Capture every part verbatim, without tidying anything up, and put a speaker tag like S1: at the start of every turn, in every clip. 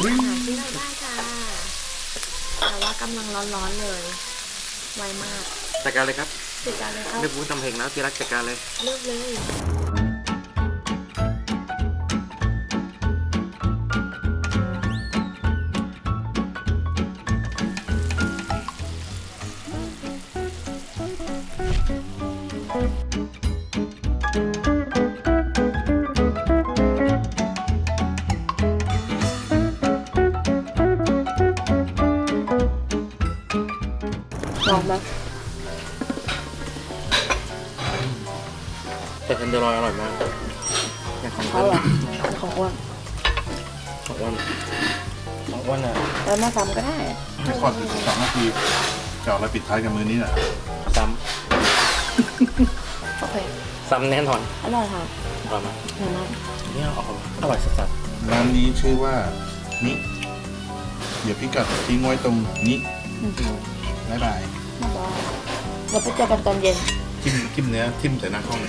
S1: หาที่เราได้ค่ะแต่ว่ากำลังร้อนๆเลยไวมาก
S2: จัดการเลยครับ
S1: จัดการเลยครับ
S2: ไม่พูดทำเพลงแล้วที่รักจัดการเลย
S1: เลือกเลยลองไหม
S2: แต่เทนเดอร์ลอยอร่อยมากอย่างของ
S1: เขา
S2: เขา
S1: เหรอของอ้วน
S2: ของอ้วนของอ้วนอ่ะ
S1: แล้วมาซ้ำก็ได้
S3: ให้ทอดอีกสองนาทีจะเอาอะไรปิดท้ายกับมือนี้น่ะ
S2: ซ้
S1: โอเค
S2: ำซ้ำแน่นอน
S1: อร่อยค่ะ
S2: อร่อยมาก
S1: อร่อยมาก
S2: เนี่ยอร่อยอร่อยสัส
S3: ร้านนี้ชื่อว่านิเดี๋ยวพิกัดทิ้งไว้ตรงนี้
S1: อืม
S3: บ๊ายบาย
S1: มาบอกเราไปเจอกันตอนเย็น
S3: จิ้มจิ้มเนื้อทิ่มใส่หน้ากล้องเลย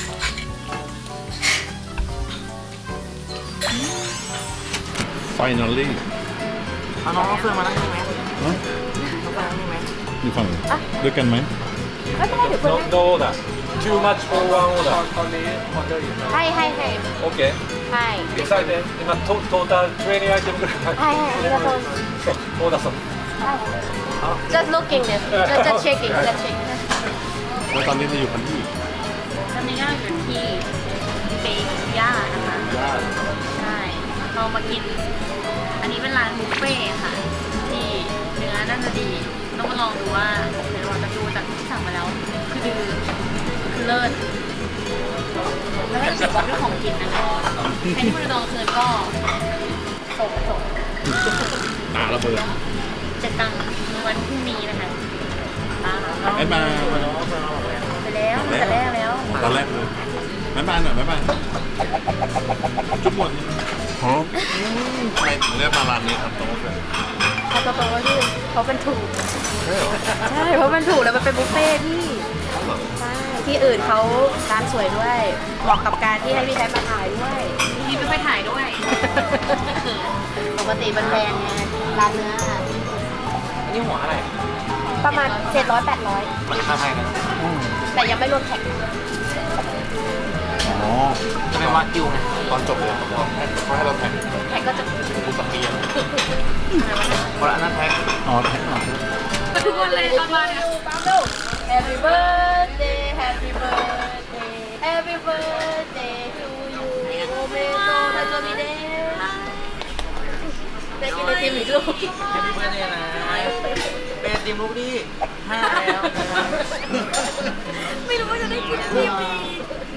S3: Finally
S2: ๆเอาน้องเอาเฟืองมานั่งนี่ไหม
S3: เอ้ย
S2: เอาเฟืองนี่ไหม
S3: อยู่ฝั่งด้วยกันไหม
S1: ไม่เป็นไรเดี๋ยวเพื่อน
S4: No order. Too much for one order.
S1: ให้ให้ให้
S4: Okay.
S1: ให้
S4: Excited. 今トトータルトレーニングアイテムぐらい入って
S1: ให้ให้ありがとう
S4: る。オーダーさん。
S1: just looking this just just checking just checking
S3: แล้วตอนนี้เราอยู่กันที่
S1: ตอนนี้ก็อยู่ที่เบย่านะคะ
S3: ย่าน
S1: ใช่เรามากิน อันนี้เป็นร้านบุฟเฟ่ต์ค่ะ ที่เนื้อน่าจะดี ต้องมาลองดูว่าเดี๋ยวเราจะดูจากที่สั่งมาแล้ว คือดือคือเลิศแล้วก็เกี่ยวกับเรื่องของกินนะคะใครที่มาลองคืนก็ส่งส่ง
S3: ตาระเบิด
S1: เจะตังวันพรุ่งนี้นะคะตาม
S3: ไอ้มา
S1: ไปแล้วแต่แรกแล้ว
S3: ตอนแรกเลยบ๊ายบายหน่อยบ๊ายบายจุ๊บหมดฮะทำไมถึงเลือกมาร้านนี้ครับตรงนี้
S1: เขาโตๆก็คือเขาเป็นถูก
S3: ใช่เหรอ
S1: ใช่เพราะมันถูกแล้วมันเป็นบุฟเฟ่ต์ที่ใช่ที่อื่นเขาร้านสวยด้วยเหมาะกับการที่ให้พี่แท้มาถ่ายด้วยพี่ไม่ค่อยถ่ายด้วย ปกติเป็นแบรนด์ไงร้านเนื้อ
S2: อันนี้หัวอะไร
S1: ประมาณเจ็ดร้อยแปดร้อย
S2: มันค่าไทยกัน
S1: แต่ยังไม่รวมแท็ก
S3: อ๋อ
S2: จะเป็นวากิวไง
S3: ตอนจบเลยผมบอกให้เขาให้เราแท็ก
S1: แท็กก็จะ
S2: กูสักปีอ่ะเพราะอันนั้นแท็ก
S3: อ๋อแท็กหน่อย
S1: ทุกวันเลยตอนมาเนี่ย Happy birthday Happy birthday Happy birthday to you โอเมโตทันโจมิเดะได้กินไอติมอีกลูก
S2: แฮปปี้เบิร์ดเดย์นะเป็นทีมลูกที่ห้าแล้ว
S1: ไม่รู้ว่าจะได้กินไอติมอีก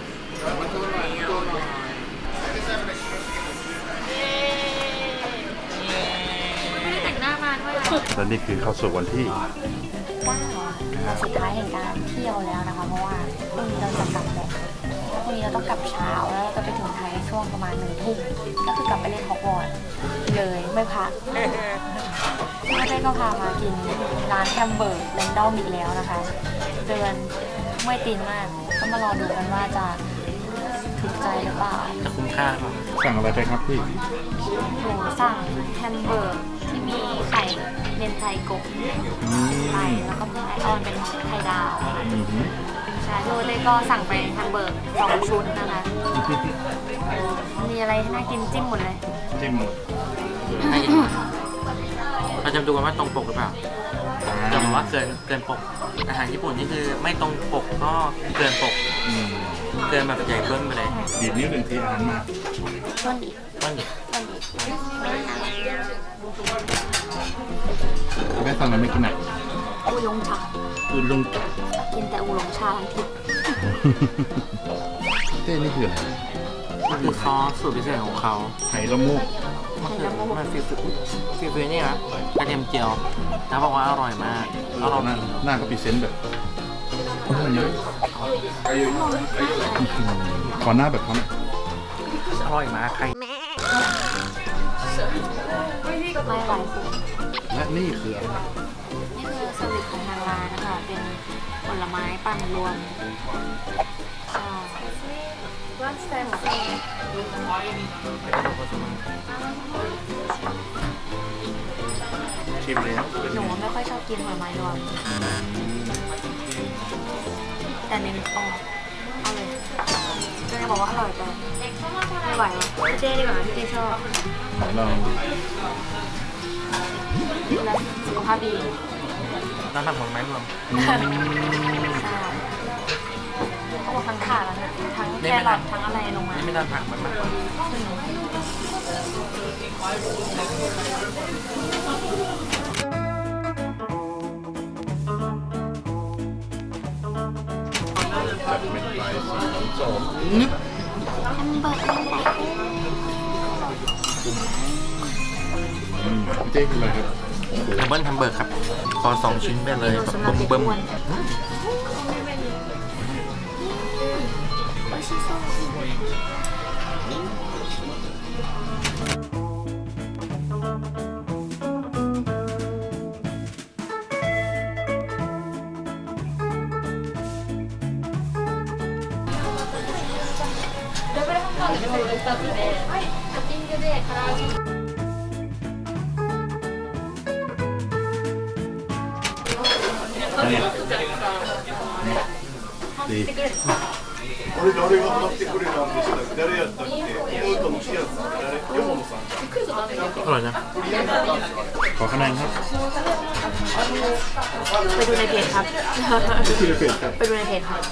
S1: ไม่ได้แต่งหน้ามาด้วย
S3: และนี่คือเข้าสู่วันที่
S1: เก้าวันสุดท้ายแห่งการเที่ยวแล้วนะคะ เพราะว่าพรุ่งนี้เราจะกลับแล้วพรุ่งนี้เราต้องกลับเช้าแล้วเราจะไปถึงไทยช่วงประมาณหนึ่งทุ่มก็คือกลับไปเล่นฮอกวอตส์เลยไม่พักแม่เต้ก็พามากินร้านแฮมเบอร์กแรนดอมอีกแล้วนะคะ เดินไม่ตีนมากก็มารอดูกันว่าจะถูกใจหรือเปล่า
S2: จะคุ้มค่าหรือเปล่า
S3: สั่งอะไรไปครับพี่
S1: หนูสั่งแฮมเบอร์กที่มีไข่เมนไทโกะไปแล้วก็มีไอออนเป็นไข่ดาว
S3: อือหือ
S1: ใช่โดยเลยก็สั่งไปแฮมเบอร์กสองชุดนะคะ มีอะไรให้น่ากินจิ้มหมดเลย
S3: จิ้ม
S2: ให้กินเราจะดูกันว่าตรงปกหรือเปล่าจะบอกว่าเกินเกินปก อาหารญี่ปุ่นนี่คือไม่ตรงปกก็เกินปก
S3: อืม
S2: เกินแบบใหญ่เบิ้มไปเลย
S3: ดีดนิ้วหนึ่งทีอาหารมา
S1: ต้นอีก
S2: ต้นดิ
S1: ต้นอีก
S3: แม่สั่งอะไรไม่กินไหน
S1: อูยงชา
S3: อื่นลง
S1: กินแต่อูหลงชาทั้งทิพย์
S3: เต้นี่คืออะไร
S2: มันคือซอสสูตรพิเศษของเขา
S3: ไหละมูก
S2: มันคือมันฟิวฟิวฟิวฟิวนี่นะกระเทียมเจียวแล้วบอกว่าอร่อยมากอร่อย
S3: หน้าหน้าก็พรีเซนต์แบบโอ้โหเยอะขอหน้าแบบเขาหน่อย
S2: อร่อยมากใคร
S1: ไม่ไหวสุด
S3: และนี่คืออะไร
S1: นี่คือสวิตของทางร้านนะคะ เป็นผลไม้ปั่นรวมใช่วันสเตน
S2: ชิมเลยนะ
S1: หนูไม่ค่อยชอบกินผลไม้รวมแต่เน้นออกเอาเลยเจ๊บอกว่าอร่อยแต่ไม่ไหวว่ะพี่เจ๊ดีกว่าพี่เจ๊ชอบ
S3: ของเรา
S1: ดูแลสุขภาพดี
S2: น้ำผักผลไม้รวม
S1: ใช่เขาบอกทั้งขาแล้วนะทั้งแครอททั้งอะไรลงมา
S2: นี่ไม่ทานผักมันมาก
S3: จัดเป็นไฟสีส้มนึก
S1: แฮมเบอร์เกอร์
S3: อืมพี่เจ๊คืออะไรครับ
S2: ดับเบิลแฮมเบอร์กครับขอสองชิ้นไปเลยแบบ
S1: สำหรับ
S2: เบิ่ม
S1: เด็ก
S2: เบิ่ม
S1: อ้วนโอชิโซ่
S3: ดี
S5: 俺誰が買ってくれたんでしたっけ誰やったっけ妹のシアさん誰山野さん
S2: อร่อยนะ
S3: ขอคะแนนครับ
S1: ไปดูในเพจครับ
S3: ที่เป็นครับ
S1: ไปดูในเพจครับ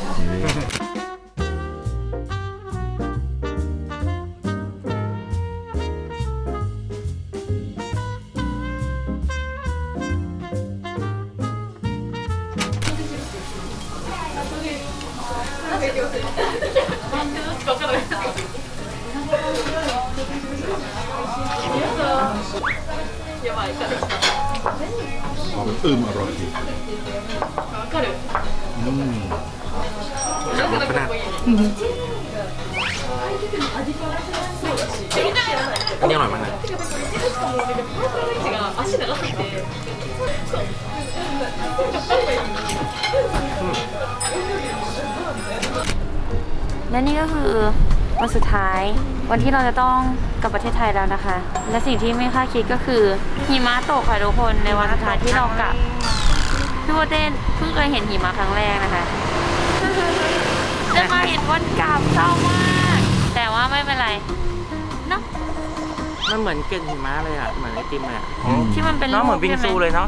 S3: ขอเป็นอึมอร่อยดีอืม
S2: จากรสขนาดอันนี้อร่อยมากนะ
S1: และนี่ก็คือวันสุดท้ายวันที่เราจะต้องกลับประเทศไทยแล้วนะคะ และสิ่งที่ไม่คาดคิดก็คือหิมะตกค่ะทุกคนในวันสุดท้ายที่เรากลับพี่โบเต้นเพิ่งเคยเห็นหิมะครั้งแรกนะคะได้มาเห็นวันกลับเศร้ามาก แต่ว่าไม่เป็นไรเนาะ
S2: มันเหมือนเกล็ดหิมะเลยอ่ะเหมือนไอติมเลยอ่ะ
S1: ที่มันเป็น
S2: เนาะเหมือนบิงซูเลยเนาะ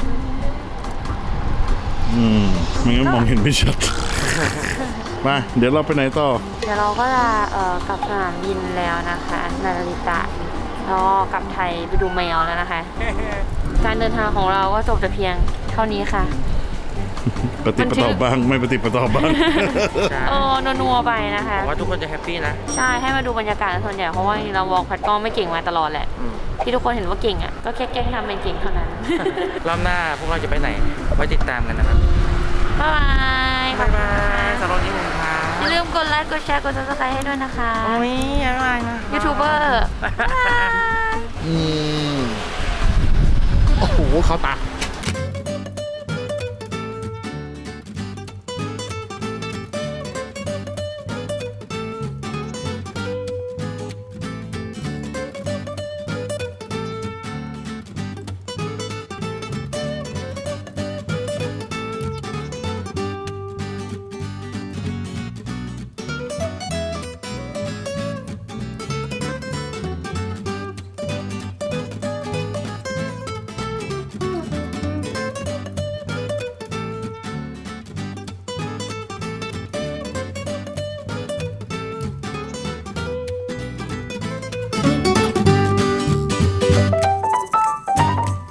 S3: อืมไม่งั้นมองเห็นไม่ชัด มา เดี๋ยวเราไปไหนต่อ
S1: เดี๋ยวเราก็จะเอ่อกลับสนามบินแล้วนะคะนาริตะแล้วก็กลับไทยไปดูแมวแล้วนะคะ การเดินทางของเราก็จบแต่เพียงเท่านี้ค่ะ
S3: ปฏิปต่อบ้าง ไม่ปฏิปต่อบ้าง
S2: ใช่
S1: เออนัวๆไปนะคะ
S2: ผมว่าทุกคนจะแฮปปี้นะ
S1: ใช่ให้มาดูบรรยากาศส่วนใหญ่เพราะว่าเราวอล์กพัดกล้องไม่เก่งมาตลอดแหละ
S2: อืม
S1: ที่ทุกคนเห็นว่าเก่งอ่ะก็แค่แกล้งทำเป็นเก่งเท่านั้น
S2: รอบหน้าพวกเราจะไปไหน ไว้ติดตามกันนะครับ
S1: บ๊ายบาย
S2: บ๊ายบายสำหรับวันนี้ผมพา
S1: อย่าลืมกดไลค์กดแชร์กดซับสไครต์ให้ด้วยนะคะ
S2: โอ้ยบ๊ายบายนะ
S1: ยูทูบเบอร์บ๊ายบาย
S3: อืม โอ้โห เขาตา